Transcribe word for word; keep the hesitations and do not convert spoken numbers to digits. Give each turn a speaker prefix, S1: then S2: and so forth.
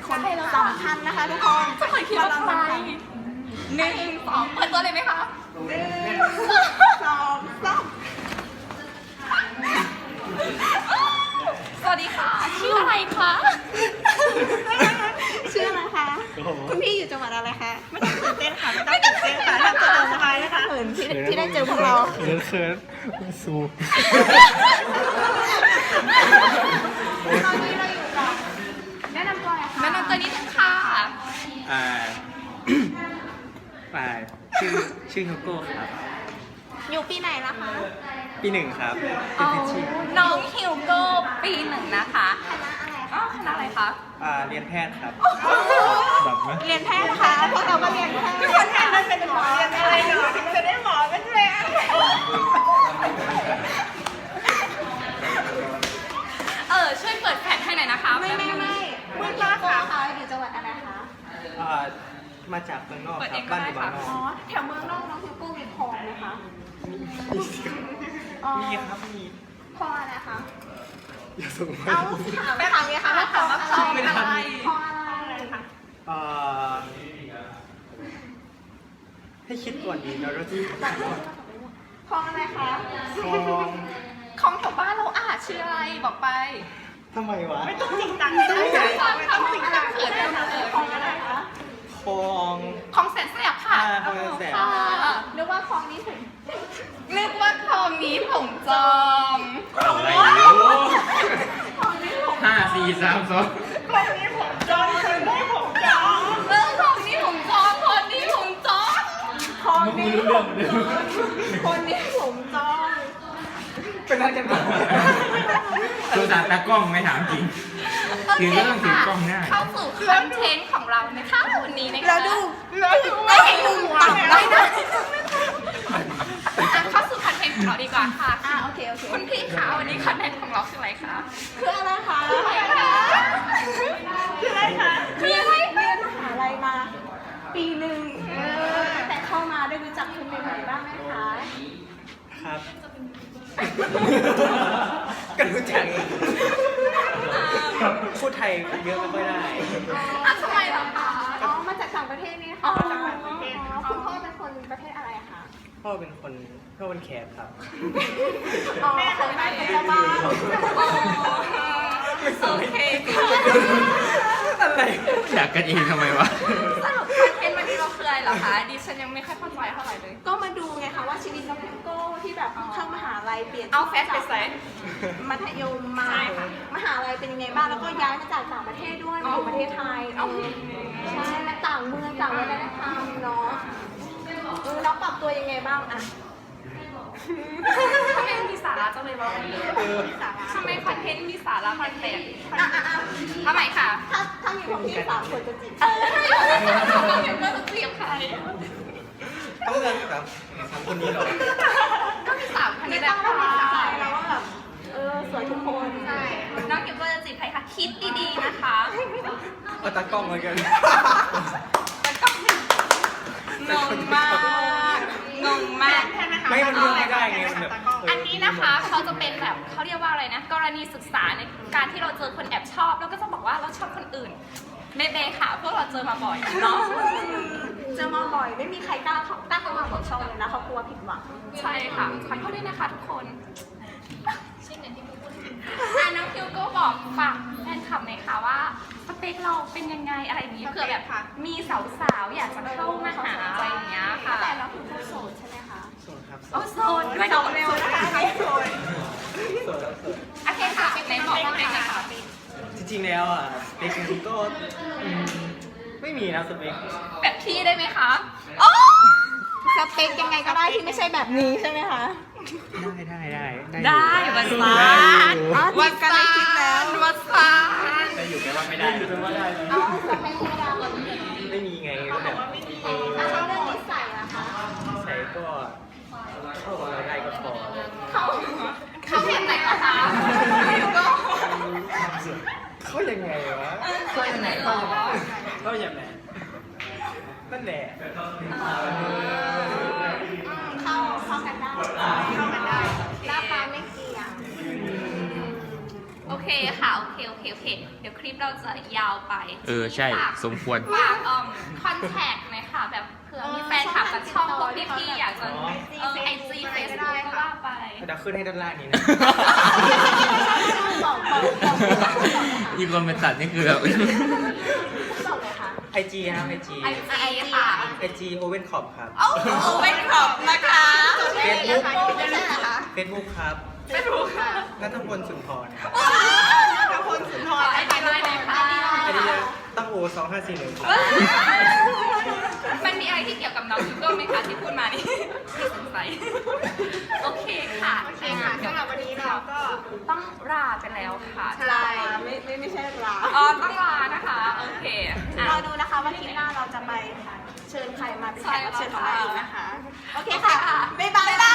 S1: คนสำคัญนะคะทุกคน
S2: จะเคยคิดว่าใครหนึ่งสองเปิดตัวเลยไหมคะ
S1: หนึ่งสองสาม
S2: สวัสดีค่ะ ชื่ออะไรคะ
S1: ชื่ออะไรคะคุณพี่อยู่จังหวัดอะไรคะไม่ต้องตื่นเต้นค่ะไม่ต้องตื่นเต้นค่ะทำตัวสบายนะคะเขินที่ที่ได้เจอพวกเรา
S3: เขินเขินสู
S1: ตอนนี้เราอยู่กับแนะนำตัวหน่อยค่ะ
S2: แนะนำตัวนิดนึงค่ะ
S3: อ่า อ่าชื่อชื่อโฮโก้ครับ
S1: อยู่ปีไหนแล้วคะ
S3: ปีหนึ่งครับ
S2: อ๋
S3: เป็น
S2: อ
S3: พิชชี่
S2: น้องฮิวโก้ปีหนึ่งนะคะ
S1: คณะอะไร
S2: อ๋อคณะอะไรคะ
S3: อ่าเรียนแพทย์ครับแบบไหม
S1: เรียนแพทย์นะคะพวกเราก็เรียนแพทย์เรียนแพทย์มันเป็นหมอยังไงเนาะถึงจะได้หมอเป็นแพทย์
S2: เออช่วยเปิดแผ่นให้หน่อยนะคะ
S1: ไม่ไม่ไม่มืดมากค่ะค่ะอยู่จังหวัดอะไรคะ
S3: อ่ามาจากเมืองนอกครับบ้านอยู่เมืองนอก
S1: อ๋อแถวเมืองนอกน้องฮิวโก้มีคลองไหมคะอ๋อ
S3: มีครับมี
S1: คลองอะไรคะ
S3: อย่าส่งมา
S1: เอาถามไปถามเลยค่ะว่าคลองอะไร
S2: คลองอะไร
S1: คลองอะไรคะ
S3: อ่าให้คิดก่อนดีนะเราที่
S1: คลองอะไรคะ
S3: คลอง
S2: ของแถวบ้านเราอ่ะชื่ออะไรบอกไป
S3: ทำไมวะ
S1: ไม่ต้องจริงจังไม่ต้องจริงจัง
S2: ไม่ต้องจริงจังเขินเลยค่ะ
S1: คลองอะไรคะ
S3: คลอง
S2: ของแสนแสบค่ะ
S3: อ่าคลองแสนแสบ
S2: ค่ะ
S1: นึกว่าคลองนี้ถึง
S2: นึกว่าคลองนี้ผมจอง
S3: อะไร
S1: คลองนี้ผม
S3: ห้าสี่สามสอง
S1: คลองนี้ผมจองคนนี้ผมจอง
S2: เรื่องคลองนี้ผมจองคนนี้ผมจอง
S1: คลองนี้ผมจองคนนี้ผมจอง
S3: เป็นอะไรกันบ้างตัวสารตากล้องไม่ถามจริง ถือก็ต้องถือกล้องหน้า
S2: เข้าสู่คอนเทนต์ของเรานะคะวันนี้นะคะ
S1: แล้วดูแล้วดูไม่เห็นมุมต่ำได้นะ
S2: อ่ะเข้าสู่คอนเทนต์ของเราดีกว่าค่ะ
S1: อ่าโอเคโอเค
S2: คุณพี่คะวันนี้คอนเทนต์ของเราคืออะไรคะ
S1: คืออะไรคะ
S2: คืออะไรคะ
S1: คืออะไรคะ
S2: คืออะไร
S1: เรียนมหาลัยมา ปีหนึ่งเออแต่เข้ามาได้รู้จักคนใหม่ๆบ้างไหมคะ
S3: ครับกันรู้จักพูดไทยเยอะไม่ค่อยได้
S2: อ่ะทำไมเหรอคะ
S1: อ๋อมาจากต่างประเทศนี่
S2: อ๋
S1: ค่ะ
S2: อ
S1: จากต่างประเทศอ๋อคุณพ่อเป็นคนประเทศอะไรคะ
S3: พ่อเป็นคนพ่อเป็นแขกครับ
S1: อ๋อคนบ้านเป็นเจ้าบ้าน
S2: อ๋อโอเคค่ะ
S3: อะไรอยากกันเองทำไมวะ
S2: สรุปคอนเทนต์วันนี้เราคืออะไรเหรอคะดิฉันยังไม่ค่อยเข้าใจเท่าไหร่เลย
S1: ก็มาดูไงคะว่าชีวิตน้องพิมโก้ที่แบบเข้ามหาลัยเปลี่ยน
S2: เอาแฟชไปใส่
S1: มัธยมมา
S2: ใช่ค่ะ
S1: มหาลัยเป็นยังไงบ้างแล้วก็ย้ายมาจากต่างประเทศด้วยมาอยู่ประเทศไทย
S2: อ๋อ
S1: ใช่และต่างเมืองต่างวัฒนธรรมเนาะเออแล้วปรับตัวยังไงบ้างอะ
S2: ทำไมมีสาระจังเลยวะวันนี้ทำไมคอนเทนต์มีสาระแปลก
S1: อ่ะอ่ะอ่ะ
S2: ๆทำไมค่ะ
S1: ถ้าถ้าอยู่กับพี่สามคนจะจีบ
S2: เออเราเห็นว่าจะเตรียมใคร
S3: ต้องเลือกครับสามคนนี้เหรอ
S2: ก็มีสามคน
S1: ไม่
S2: นี้แห
S1: ต้
S2: ละ
S1: องไม่
S2: ค่ะ
S1: ติดใจแล้วว่าแบบเออสวยทุกคน
S2: ใช่น้องเก็บว่าจะจีบใครคะคิดดีๆนะคะ
S3: เอาตากล้องมากัน
S2: แล้วก็งงมากงงมาก
S3: ไม่มันเลือกไม่ได้ไงมันแบบ
S2: อันนี้นะคะเขาจะเป็นแบบเขาเรียกว่าอะไรนะ กรณีศึกษาในการที่เราเจอคนแอบชอบ แล้วก็จะบอกว่าเราชอบคนอื่นเบเบค่ะพวกเราเจอมาบ่อยเนาะ
S1: เจอมาบ่อยไม่มีใครกล้าเข้ากล้าเข้ามาบอกช่องเลยนะเขากลัวผิดหวัง
S2: ใช่ค่ะขอโทษด้วยนะคะทุกคนอ่ะน้องคิวก็บอกฝากแฟนคลับหน่อยค่ะว่าสเปคเราเป็นยังไงอะไรอย่างนี้เผื่อแบบมีสาวๆอยากจะเข้ามาหาอะไรอย่างเงี้ยค่ะ
S1: แต่เราคือผู้โสดใช่ไหมคะ
S3: โสดครับ
S2: โอ้โสดด้วย
S1: โส
S2: เนาะ
S1: ดเร็วนะคะไม่โสด
S3: โสดครับโสด
S2: โอเคค่ะไหนบอกว่าเป็นไงคะ
S3: จริงๆแล้วอ่ะสเปคจริงๆก็อืมไม่มีนะสเปค
S2: แบบพี่ได้ไหมคะโอ้
S1: สเปคยังไงก็ได้ที่ไม่ใช่แบบนี้ใช่ไหมคะ
S3: ได้ได้ได้
S2: ได้วัน
S3: อยู่
S2: ซา
S3: ได้
S2: น
S3: อยู่
S1: อ๋อ
S2: วั
S1: จีบกันในคลิปแล้ว
S2: วันซาน
S3: ได้อยู่แปลว่าไม่ได้อยู่แปลว่าได้
S1: เอาสเปคธรรมดาก่อน
S3: ไม่มีไงก็แบบเออ
S1: แล้วเรื่องนิสัยนะคะ
S3: ใส่ก็เข้ากับเราได้ก็พอ
S1: เขา
S2: เขาเห็นไหนเหรอคะก็
S3: เข้ายังไงวะเข้ายังไงเข้ายังไงเข้ายังไงนั่นแหละ
S1: เข้าเข้ากันได้เข้ากันได้หน้าตาไม่เกี่ยง
S2: โอเคค่ะโอเคโอเคโอเคเดี๋ยวคลิปเราจะยาวไป
S4: เออใช่
S2: ฝาก
S4: สมควร
S2: ฝากอ่อมคอนแทคไหมคะแบบเผื่อมีแฟนคลับกับช่องพวกพี่ๆอยากจะเออไอจีเฟซบุ๊กก็ว่าไป
S3: เดี๋ยวขึ้นให้ด้านล่างนี้นะ
S1: บอกบอกบอก
S4: อีกคนเป็นตัดนี่คือแบบ
S1: บอกเลยค่ะ
S3: ไอจีครับไอจี
S2: ไอจีค่ะ
S3: ไอจีโอเว่นขอบครับ
S2: โอ้โหเป็นขอบนะคะ
S3: เฟซบุ๊ก
S1: ไม่ใช่เหรอคะ
S3: เฟซบุ๊กครับ
S2: ไม่รู้ค่ะ
S3: นัทพลสุนทรครับ
S1: พระพลสุนทร
S2: ไอจีไลน์ไหนคะ
S3: ไอดีตั้งโอสองห้าสี่หนึ่งครับ
S2: มันมีอะไรที่เกี่ยวกับน้องยูโก้ไหมคะที่พูดมานี่ที่สงสัยโอเคค่ะ
S1: โอเคค่ะสำหรับวันนี้เราก็
S2: ต้องลาไปแล้วค่ะ
S1: ใช่ไม่ไม่ไม่ใช่ลา
S2: อ๋อต้องลานะคะโอเคอ่ะ
S1: รอดูนะคะว่าคลิปหน้าเราจะไปเชิญใครมาเป็นแขกรับเชิญของเราอีกนะคะ โอเคค่ะ บ๊ายบาย